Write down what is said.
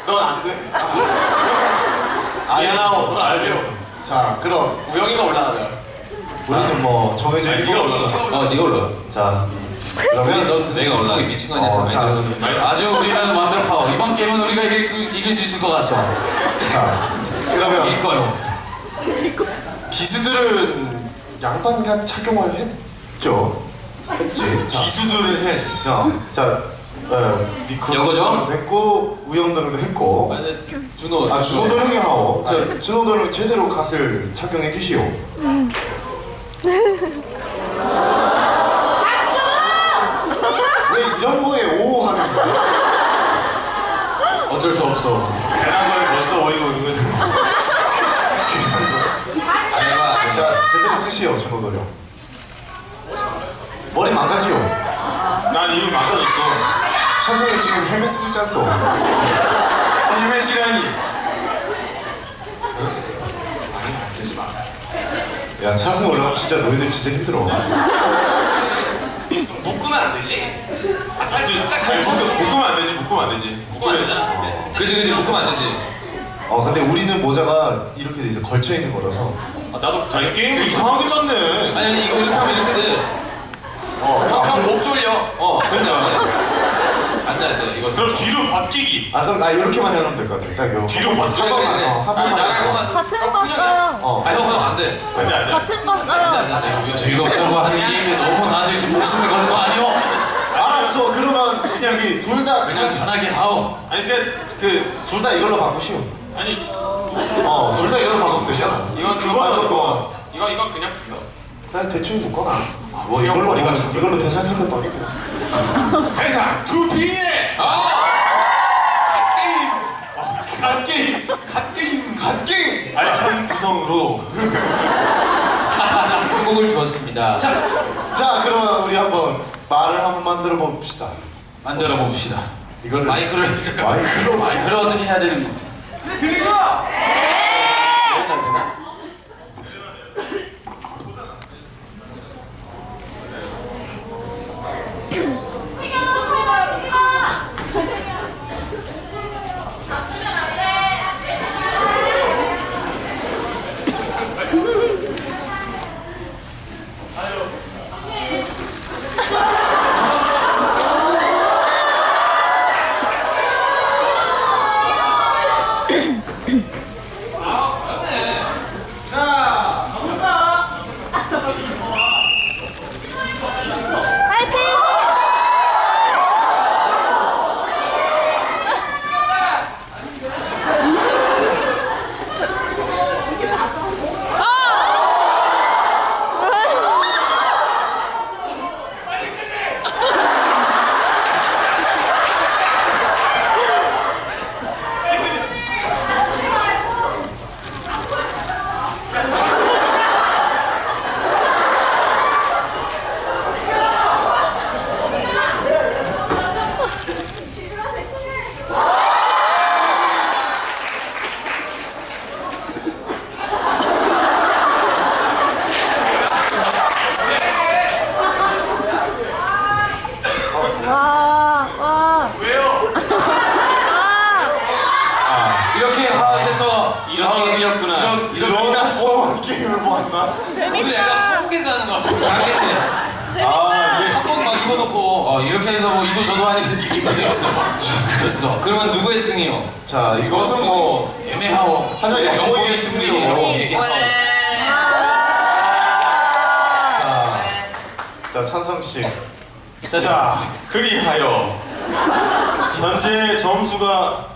넌 안 돼. 미안하오. 넌 알겠어. 자, 그럼 우영이가 올라가자. 우리는 뭐 정해진 아니, 게 네가 없어. 올라가. 네가 올라. 자, 그러면 그러면 너 내가 올라. 미친 거 아니야? 자, 아주 우리는 완벽하고 이번 게임은 우리가 이길 수 있을 것 같소. 자, 그러면 이길 거요. 기수들은 양반간 착용을 했죠. 했지. 자, 기수들을 해야지. 자, 니코 여거죠? 했고 우영도령도 했고. 준호. 아, 준호도령이 하오. 자, 준호도령 제대로 갓을 착용해 주시오. 왜 이런 거에 오하는 거야? 어쩔 수 없어. 대단한 거에 벌써 어이가 없는 거야. 아니야. 자, 제대로 쓰시오, 준호도령. 머리 망가지오. 난 이미 망가졌어. 찬성이 지금 헬멧 쓰고 있지 않소? 헬멧이라니. 되지 마. 야, 찬성이 올라가면 진짜 너희들 진짜 힘들어. 묶으면 안 되지? 묶으면 안 되지. 묶으면 안 되지. 묶으면 안 되잖아. 그지 묶으면 안 되지. 근데 우리는 모자가 이렇게 이제 걸쳐 있는 거라서. 나도 게임 이상하게 짰네. 아니 이거 이렇게 하면 이렇게 돼. 형목 졸려. 그냥 안 돼. 이거 그럼 뒤로 바뀌기. 그럼 나 이렇게만 해놓으면 될 것 같아. 딱 요. 뒤로 바뀌기. 한 번만, 그래. 한 번만. 나랑 같은 거 써요. 형 안 돼. 안 돼, 안 돼. 같은 거 써요. 즐겁다고 하는 게임에 너무 다들 지금 목숨을 거는 거 아니오? 알았어. 그러면 그냥 둘 다 그냥 편하게 하오. 아니, 둘 다 이걸로 바꾸시오. 아니, 둘 다 이걸로 바꾸면 되잖아. 이건 그거 말고 이거 그냥 풀려. 그냥 대충 묶어놔. 뭐 그냥 이걸로 머리가 이걸로 대사 탈 것도 아니고. 대상 두피에 갓게임 알찬 구성으로. 한국을 주었습니다. 자, 그러면 우리 한번 말을 한번 만들어 봅시다. 만들어 봅시다. 이거를 마이크를 마이크를 어떻게 해야 되는 거? 들리죠? 되나? 이렇게 해서 이렇구나. 이런 게임을 모았나? 우리 약간 호구겐다는 거 같은데. 이게 한복 막 입어놓고 이렇게 해서 뭐 이도 저도 아닌 이기가 되었어. 그랬어. 그러면 누구의 승이요? 자, 이것은 뭐 애매하오. 하지만 영웅의 승리로 얘기하오. 자, 찬성 씨. 자, 그리하여 현재 점수가